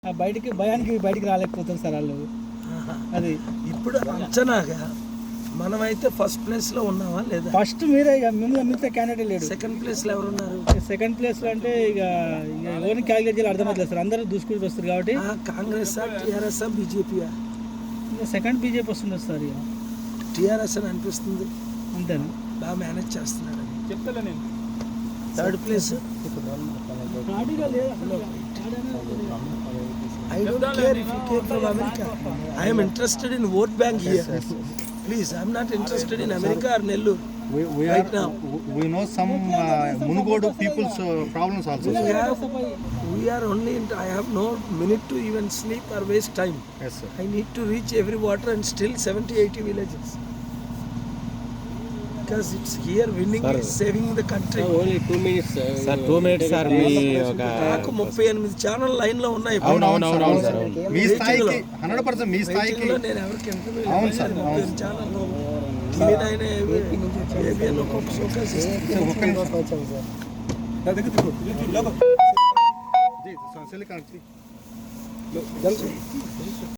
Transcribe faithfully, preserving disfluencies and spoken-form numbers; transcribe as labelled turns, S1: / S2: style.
S1: ఆ బయటికి భయానికి బయటికి రాలేకపోతారు సార్ వాళ్ళు. అది
S2: ఇప్పుడు అంచనాగా మనమైతే ఫస్ట్ ప్లేస్ లో ఉన్నావా లేదా?
S1: ఫస్ట్ మీరే ఇక మిమ్మల్ని మిగతా క్యాండిడేట్ లేడు.
S2: సెకండ్ ప్లేస్ లో ఎవరున్నారు?
S1: సెకండ్ ప్లేస్ లో అంటే ఇక ఎవరిని క్యాలిక్యులేట్ చేయాలి అర్థమవుతుంది సార్. అందరూ దూసుకుంటూ వస్తారు కాబట్టి
S2: కాంగ్రెస్ టీఆర్ఎస్ బీజేపీ
S1: ఇక సెకండ్ బీజేపీ వస్తుంది సార్. ఇక
S2: టీఆర్ఎస్ అని అనిపిస్తుంది.
S1: అంతేనా?
S2: బాగా మేనేజ్ చేస్తున్నాడు.
S1: చెప్తాలే నేను.
S2: Third place I don't care if you came from America. I am interested in vote bank here. Please, I am not interested in America or Nellore.
S3: We, we
S2: right
S3: are,
S2: now.
S3: We know some uh, Munugodu people's uh, problems also.
S2: We have, we are only. In, I have no minute to even sleep or waste time.
S3: Yes, sir.
S2: I need to reach every water and still seventy eighty villages. Because it's here winning
S4: Sir,
S2: is saving the country.
S4: Sir, only two minutes. Sir, sir two minutes, sir. మీ ఒక
S2: నాకు ముప్పై ఎనిమిది channel line లో ఉన్నాయి.
S3: అవును అవును
S4: అవును,
S3: అవును
S4: అవును,
S3: సార్. మీ స్థాయికి హండ్రెడ్ పర్సెంట్ మీ స్థాయికి
S2: నేను ఎవరికి ఇంటర్వ్యూ
S3: అవును సార్, అవును sir.
S2: Channel TV nine ABN ఒక్కొక్క ఫోకస్
S3: ఒక్క నిమిషం.